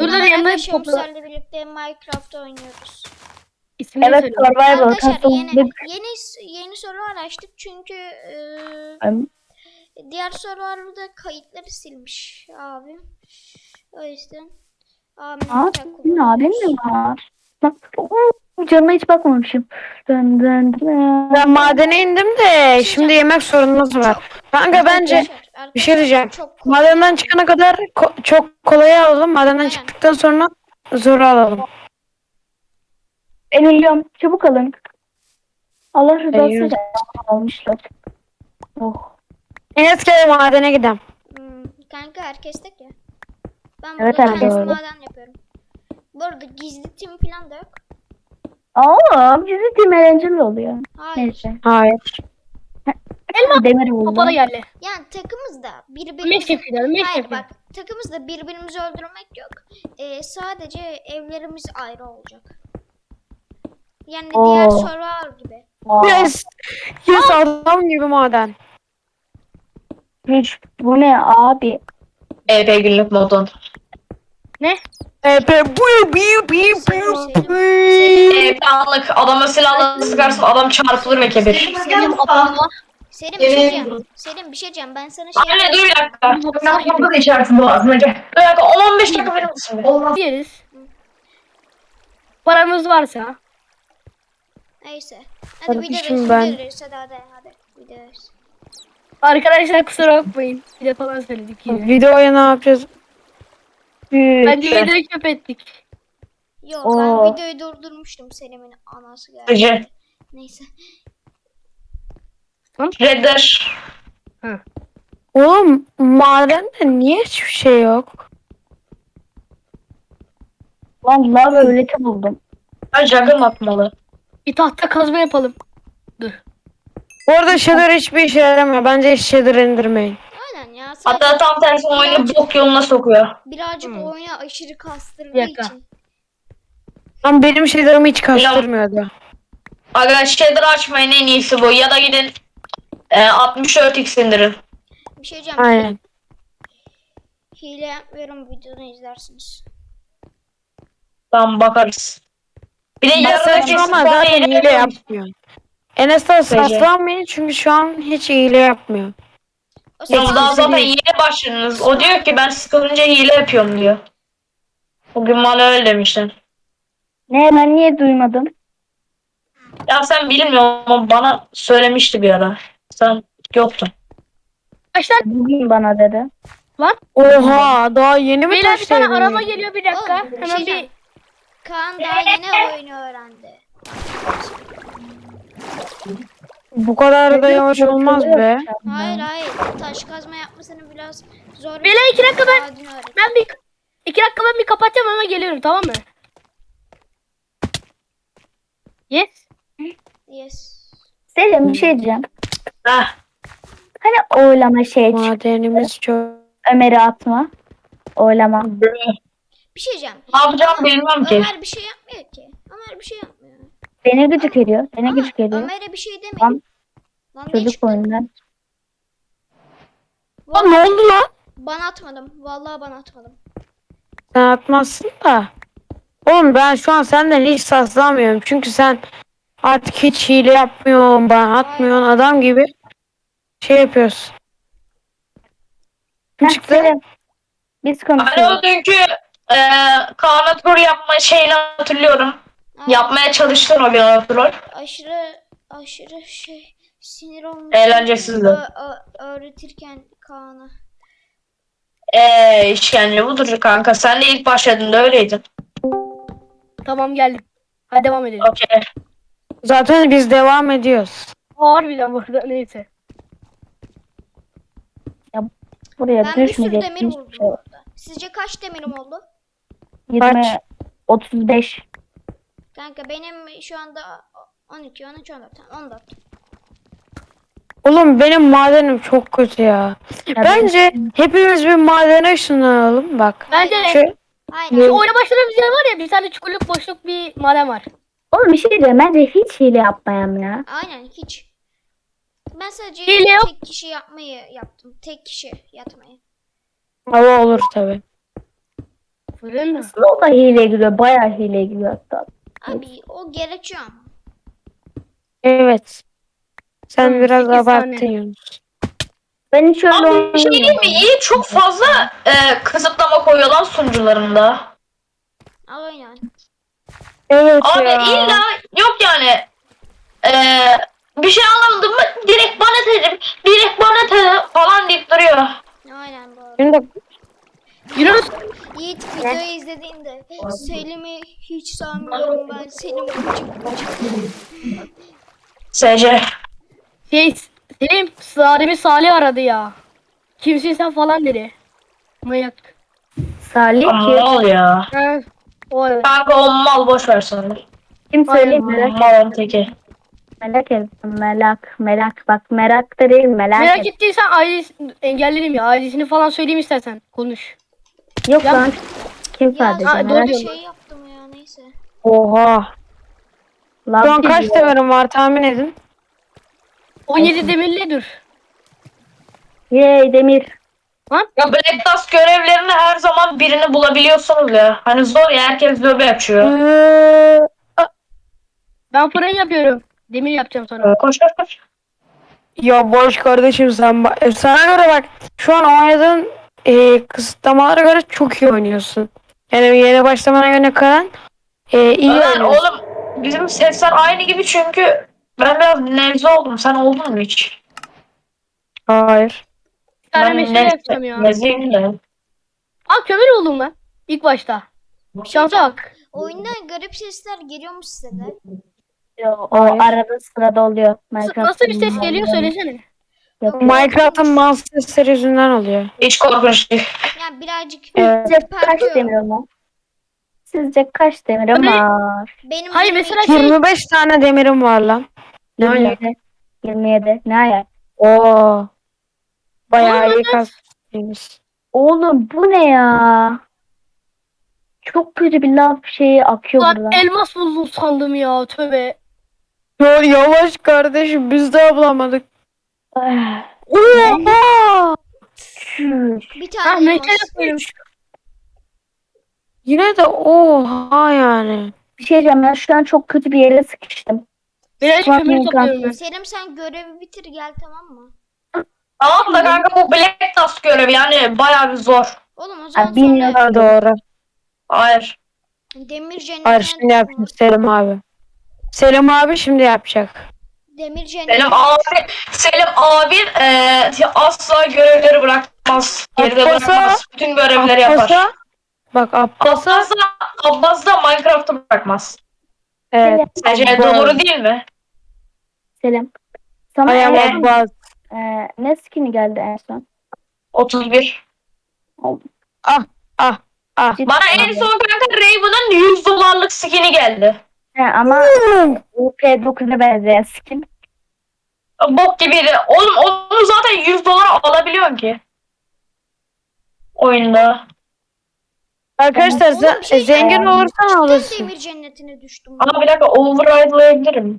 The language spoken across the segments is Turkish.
Burada da yanında topla. Arkadaşlarımızla birlikte Minecraft oynuyoruz. İsmini Evet, söyle. survival Arkadaşlar kasıldık. yeni soru açtık çünkü diğer sorularda kayıtları silmiş abim. O yüzden Aa, senin abin mi var? Bak, canıma hiç bakmamışım. Dın dın dın. Ben madene indim de şimdi yemek sorunumuz var. Kanka bence bir şey diyeceğim. Madenden çıkana kadar çok kolay alalım. Madenden Aynen. çıktıktan sonra zoru alalım. Ben ölüyorum. Çabuk alın. Allah rızası Eyvallah. için almışlar. Oh. Enes gel madene gidelim. Kanka herkes tek ya. Ben Evet, burada herkes kendim öyle. maden yapıyorum. Bu arada gizli tim falan da yok. Aa, bizi tim eğlenceli oluyor. Hayır. Neyse. Hayır. Demir buldum. Kapalı yerle. Yani takımızda Meş birbirimizi... yapıyorlar. Meş Hayır yapıyor. bak takımızda birbirimizi öldürmek yok. Sadece evlerimiz ayrı olacak. Yani Oo. diğer server gibi. Aa, Yes. Yes adam gibi maden. hiç, bu ne abi? EP günlük modun. Ne? EP anlık adama silahla sıkarsın adam çarpılır ve kebir. Benim ablamla. Selim bir şey diyeceğim. Selim bir şey diyeceğim. Ben sana şey Anne dur bir dakika. Sen burada da içersin boğazına gel. Bir dakika 10-15 dakika verir misin? Yeriz. Paramız varsa. Neyse. Hadi Kardeşim video ben- veririz. Hadi video veririz. Arkadaşlar kusura bakmayın. Bir de falan söyledik yine. Videoya ne yapacağız? Bence videoyu çöp ettik. Yok Oo. ben videoyu durdurmuştum. Selim'in anası geldi. Gece. Neyse. Redder. Oğlum madende niye hiçbir şey yok? Lan lav öğreti buldum. Ben Juggernaut atmalı. Bir tahta kazma yapalım. Dur. Bu arada shader hiçbir işe yaramıyor. Bence hiç shader indirmeyin. Aynen ya. Sadece Hatta tam tersi oyunu bok yoluna sokuyor. birazcık oyunu aşırı kastırdığı Bir dakika. için. Ama benim shader'ımı hiç kastırmıyordu. Aga shader açmayın en iyisi bu. Ya da gidin 64x indirin. Bir şey diyeceğim. Aynen. Hile yapmıyorum videonu izlersiniz. Tamam bakarız. Bir de Ben yarıdaki saçmalama spawn zaten hile yapıyorum. yapmıyor. Enes'ten saçmalmayın çünkü şu an hiç hile yapmıyor. O Ya zaman daha zaten yeni başladınız. O diyor ki ben sıkılınca hile yapıyorum diyor. Bugün bana öyle demiştin. Ne, ben niye duymadım? Ya sen bilmiyorum ama bana söylemişti bir ara. Sen yoktun. Arkadaşlar Bugün bana dedi. Oha daha yeni mi beyler bir tane taşladın? araba geliyor bir dakika. Oğlum, bir şey Hemen bir diyeceğim. Kaan daha yeni oyunu öğrendi. Bu kadar da yavaş olmaz be. Hayır. Taş kazma yapmasını biraz zor. Beyler 2 dakika ben Adını öğret. ben bir 2 dakika ben bir kapatacağım ama geliyorum tamam mı? Yes. Yes. Selim bir şey diyeceğim. Heh. Hani oylama şey Madenimiz çok. Ömer'i atma. Oylama. Bir şey diyeceğim. Ne yapacağım Ama bilmem ki. Ömer bir şey yapmıyor ki. Ömer bir şey yapmıyor. Beni gıcık ediyor. Beni Ama gıcık ediyor. Ömer'e bir şey Lan demeyin. Lan ne çocuk çıktı? oyundan. Lan ne oldu lan? Bana atmadım. Vallahi bana atmadım. Sen atmazsın da. Oğlum ben şu an senden hiç saslamıyorum. Çünkü sen artık hiç hile yapmıyorsun, bana atmıyorsun adam gibi şey yapıyorsun. Heh, çıktı? Selim. Biz Alo konuşuyoruz. dünkü Kaan tur yapma şeyini hatırlıyorum. Ay, Yapmaya çalıştın o bir hatırlar. aşırı şey sinir olmuş. Eğlencesizdi. Öğretirken Kaan'a. İşkence budur kanka. Sen de ilk başladığında öyleydin. Tamam geldim. Hadi devam edelim. Okey. Zaten biz devam ediyoruz. Harbiden burada neyse. Buraya Ben bir sürü düşmeyecek demir hiçbir buldum şey. bu arada. Sizce kaç demirim oldu? 20, 35. Kanka benim şu anda 12, 13, 14. Tamam, 14. Oğlum benim madenim çok kötü ya. Ya Bence hepimiz bir madene ışınlanalım bak. Bence Şu, Aynen. şu oyuna başladığımız yer var ya bir tane çukurluk boşluk bir maden var. Oğlum bir şey diyeceğim. Bence hiç hile yapmayalım ya. Aynen hiç. Ben sadece Hile yok. tek kişi yapmayı yaptım. Tek kişi yatmayı. hava olur tabi. Fırın mı? Aslında o da hileye giriyor. Bayağı hileye giriyor hatta. Abi o gerekiyor ama. Evet. Sen Tamam, biraz 8 abarttın tane. Yunus. Ben hiç öyle Abi bir şey değil mi? oynamıyorum. İyi çok fazla kısıtlama koyuyor lan sunucularında. Aynen. Evet Abi ya. illa yok yani. E, bir şey anlamadım mı? Direkt bana dedim. Direkt bana dedim falan deyip duruyor. Aynen bu arada. Şimdi Yunus. Yiğit videoyu izlediğinde Selim'i hiç sanmıyorum ben. Selim gıcık. SC. Selim. Sahibi Salih aradı ya. Kimsin sen falan dedi. Manyak. Salih Ama kim? mal ya. Ha, o evet. Kanka o mal boş ver sana. Kim söyleyeyim merak, Malın teki. merak ettim. Merak. Bak merak da değil merak Merak et. ettiysen engellerim ya. Ailesini falan söyleyeyim istersen. Konuş. Yok Ya- lan. Kim Ya sadece Ha, doğru merak diyorum. şey yaptım ya neyse. oha. Şu an Lan kaç biz- demirim var tahmin edin. 17 demirli dur. Yey Demir. Ya Black Dust görevlerinde her zaman birini bulabiliyorsunuz ya. Hani zor ya herkes lobi açıyor. Ee, Ben fırın yapıyorum. Demir yapacağım sonra. Koş koş koş. Ya boş kardeşim sen sana göre bak şu an oynadığın kısıtlamalara göre çok iyi oynuyorsun. Yani yeni başlamana göre kalan iyi Ömer oynuyorsun. oğlum bizim sesler aynı gibi çünkü ben biraz nevze oldum. Sen oldun mu hiç? Hayır. Bir tane meşale yapacağım ya. Nezleyim de. Aa kömür oldum lan. İlk başta. Şansa bak. Oyunda garip sesler geliyormuş size de. O Hayır. arada sırada oluyor. Nasıl bir ses geliyor söylesene. Yok. Minecraft'ın mouse sesleri yüzünden oluyor. Hiç korkunç değil. Yani birazcık Evet. Sizce kaç ürpertiyor. demirim var? Sizce kaç demirim Öyle- var? Benim Hayır, 22 mesela şey- 25 tane demirim var lan. Ne ayak? 27. 27. Ne ayak? Oo. Bayağı Oğlum, iyi kastıymış. Oğlum bu ne ya? Çok kötü bir lav şeyi akıyor Lan buradan. elmas buldum sandım ya. Tövbe. Ya yavaş kardeşim biz de bulamadık. Ah, Oha! çüş. bir Ha tane meşale elmas. yapıyorum. Yine de oha yani. Bir şey diyeceğim ben şu an çok kötü bir yere sıkıştım. Birazcık Ulan kömür Minecraft- topluyorum ben. Selim sen görevi bitir gel tamam mı? Tamam da kanka bu Black Dust görevi yani bayağı bir zor. Oğlum o zaman Abi bilmiyorum. sonra Ha, doğru. Hayır. demir Hayır cennetine şimdi yapacak Selim abi. Selim abi şimdi yapacak. demir cennetine Selim abi asla görevleri bırakmaz. Geride Abbas'a- bırakmaz. Bütün görevleri yapar. Abbas'a bak Abbas'a Abbas da Minecraft'ı bırakmaz. evet. Sence Abbas. doğru değil mi? Selim. Sana I am en son, Abbas. ne skin'i geldi en son? 31. Ah ah ah. Cidden Bana en mi? son kanka Raven'ın $100 skin'i geldi. He, ama UP9'a benzeyen skin. Bok gibiydi. Oğlum onu zaten $100 alabiliyorsun ki. Oyunda. Arkadaşlar Oğlum bir şey zengin diyeceğim. olursan cidden alırsın. demir cennetine düştüm. Ama bir dakika override'layabilirim.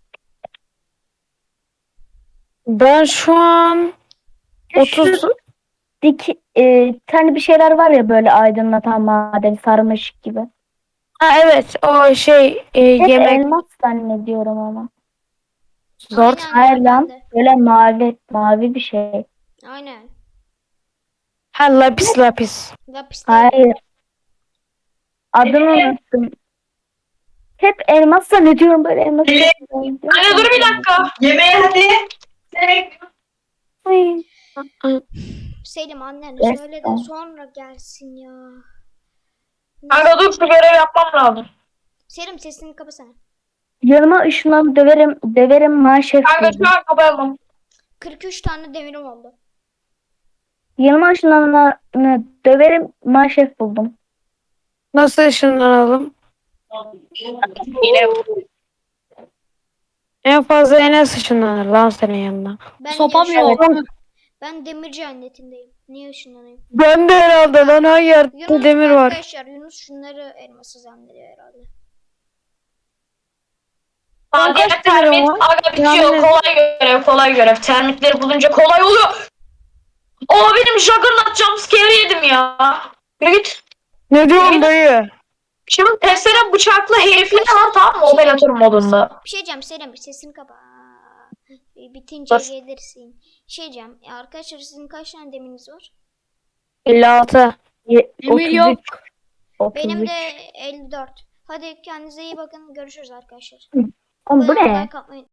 Ben şu an 30 Tane bir şeyler var ya böyle aydınlatan maden sarmış gibi. ha evet o şey Hep yemek elmas zannediyorum ama. zor. Aynen, Hayır ben lan. de. Böyle mavi bir şey. Aynen. Ha lapis lapis. Lapis de- Hayır. Adını unuttum. Hep elmas zannediyorum böyle elmas. Anne dur bir dakika. Yemeğe hadi. Ay. Selim annen Evet, söyle de tamam. sonra gelsin ya. Kanka dur şu görev yapmam lazım. Selim sesini kapasana. Yanıma ışınlanıp döverim manşef Kanka buldum. şu an kapayamam. 43 tane demirim oldu. Yanıma ışınlanıp döverim manşef buldum. Nasıl ışınlanalım? Yine En fazla Enes ışınlanır lan senin yanına. Ben Sopam yaşıyorum. yok. Ben demir cennetindeyim. Niye ışınlanayım? Ben de herhalde lan her yerde Yunus demir var. arkadaşlar Yunus şunları elması zannediyor herhalde. Aa, diğer Kaç tane termit var? aga bitiyor. Yani- Kolay görev. Termitleri bulunca kolay oluyor. Benim Juggernaut jumpscare yedim ya. Yürü git. Ne diyorsun dayı? Şimdi testere bıçaklı herifler var, tamam mı, operatör modunda. Bir şey diyeceğim Selim, sesini kapa. Bitince Bas. gelirsin. Bir şey diyeceğim. Arkadaşlar sizin kaç tane demiriniz var? 56. Demir yok. 33. Benim de 54. Hadi kendinize iyi bakın. Görüşürüz arkadaşlar. Oğlum bu ne? Like atmayı